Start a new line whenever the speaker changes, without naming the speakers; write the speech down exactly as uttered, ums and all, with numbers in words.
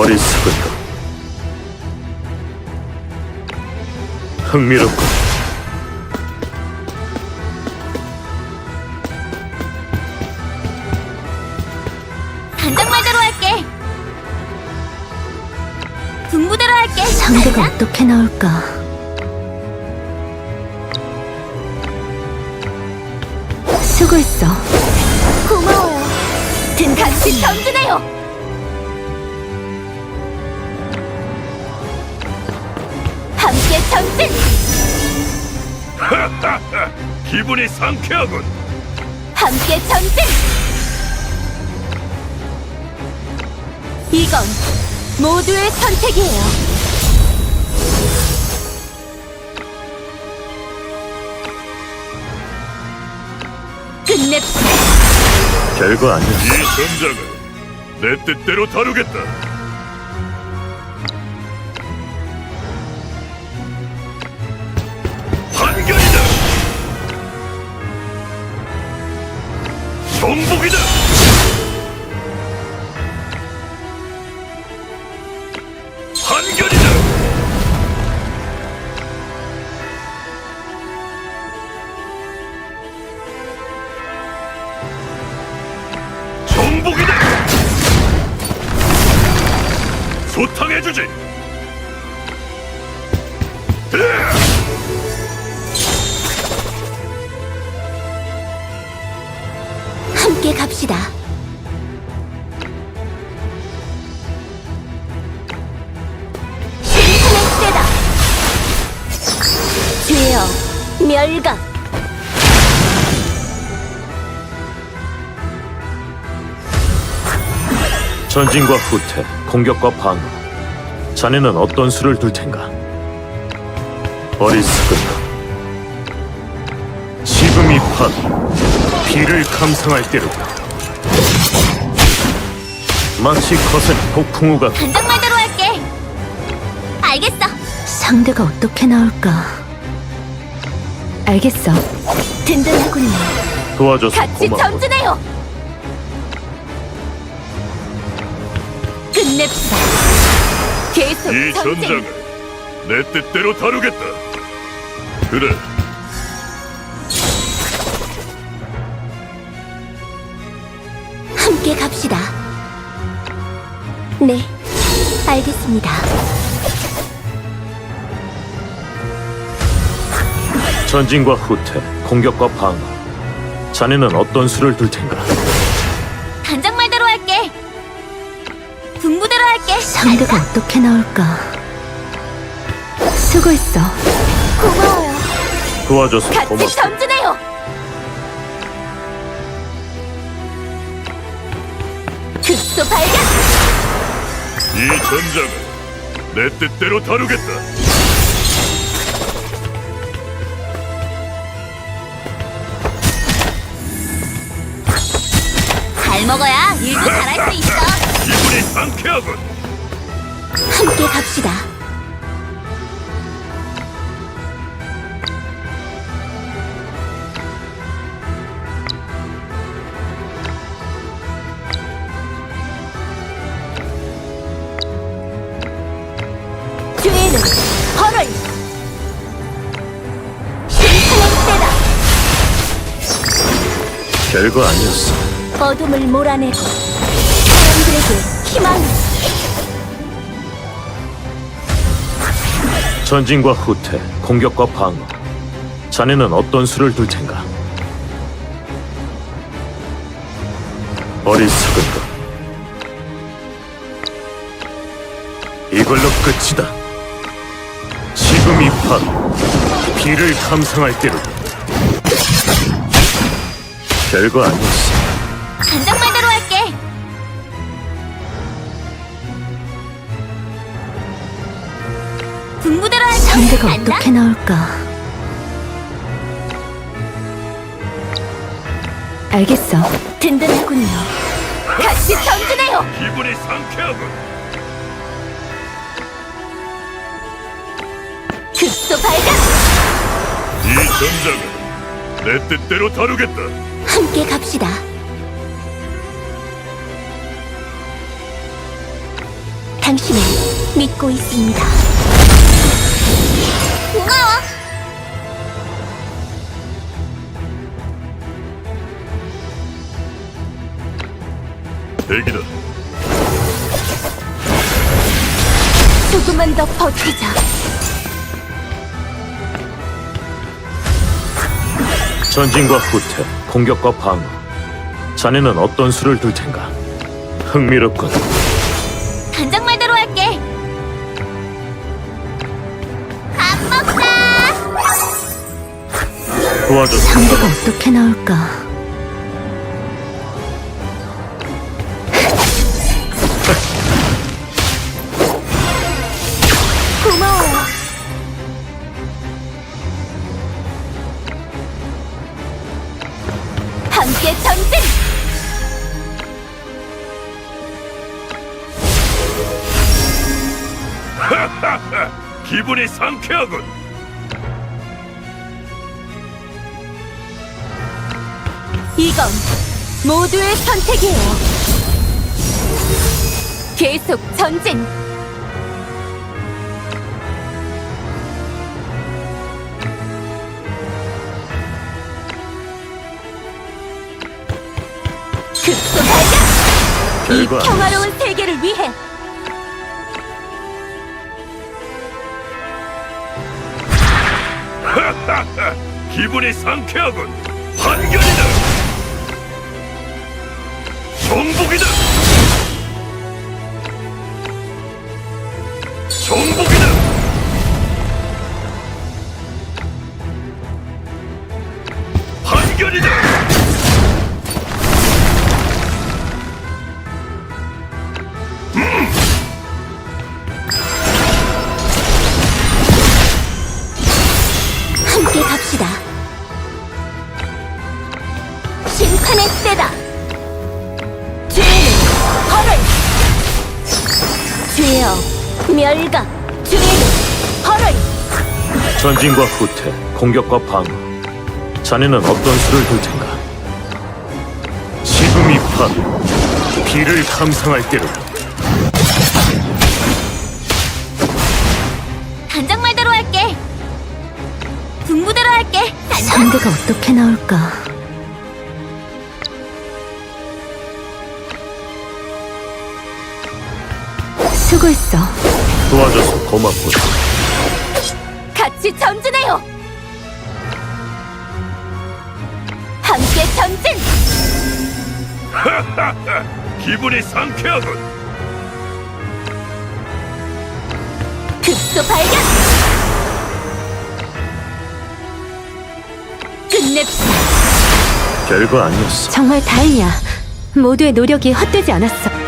어리석은가. 흥미롭군.
단장 말대로 할게. 분부대로 할게.
상대가
단장?
어떻게 나올까? 수고했어.
고마워요. 든 같이 전진해요. 함께 전진.
기분이 상쾌하군.
함께 전진. 이건 모두의 선택이에요. 끝냅시다.
별거 아니야.
이 전장을 내 뜻대로 다루겠다. 판결이다. 정복이다. 판결이다. 정복이다. 소탕해주지.
함께 갑시다. 심판의 때다. 죄여 멸각.
전진과 후퇴, 공격과 방어. 자네는 어떤 수를 둘 텐가? 어리석은가. 지금이 바로 비를 감상할 때로다. 마치 거센 폭풍우가
단장 말대로 할게. 알겠어.
상대가 어떻게 나올까? 알겠어.
든든하군요.
도와줘서
같이
고마워.
전진해요. 끝냅시다. 계속
이
전진.
전장을 내 뜻대로 다루겠다. 그래.
함께 갑시다. 네, 알겠습니다.
전진과 후퇴, 공격과 방어. 자네는 어떤 수를 둘 텐가?
단장 말대로 할게. 분부대로 할게.
상대가 어떻게 나올까? 수고했어.
고마워요.
도와줘서
같이
고맙고.
전진해요. 급소 발견.
이 전장을 내 뜻대로 다루겠다.
잘 먹어야 일도 잘할 수 있어.
기분이 상쾌하군.
함께 갑시다. 죄는 벌을. 심판의 때다.
별거 아니었어.
어둠을 몰아내고 사람들에게 희망을.
전진과 후퇴, 공격과 방어. 자네는 어떤 수를 둘 텐가? 어리석은 것. 이걸로 끝이다. 지금이 바로 비를 감상할 때로다. 별거 아니었어.
단장 말대로 할게. 분부대로 할게.
상대가
간다?
어떻게 나올까? 알겠어.
든든하군요. 같이 전진해요.
기분이 상쾌하군.
급소 발견.
이 전장을 내 뜻대로 다루겠다.
함께 갑시다. 당신을 믿고 있습니다. 고마워.
대기다.
조금만 더 버티자.
전진과 후퇴, 공격과 방어. 자네는 어떤 수를 둘 텐가? 흥미롭군.
단장 말대로 할게. 밥 먹자.
도와줘.
상대가 어떻게 나올까?
고마워요. 함께 전진!
기분이 상쾌하군.
이건 모두의 선택이에요. 계속 전진! 급소 발견! 이
결과
평화로운 세계를 위해!
기분이 상쾌하군. 환경이다. 정복이다. 정복이다. 환경이다.
함께 갑시다. 심판의 때다. 죄는 벌을. 죄여 멸각. 죄는 벌을.
전진과 후퇴, 공격과 방어. 자네는 어떤 수를 둘 텐가? 지금이 밤, 비를 감상할 때로.
단장 말대로 할게. 분부대로 할게. 단장.
상대가 어떻게 나올까? 수고했어.
도와줘서 고맙군.
같이 전진해요. 함께 전진.
기분이 상쾌하군.
급소 발견. 끝냅시다.
별거 아니었어.
정말 다행이야. 모두의 노력이 헛되지 않았어.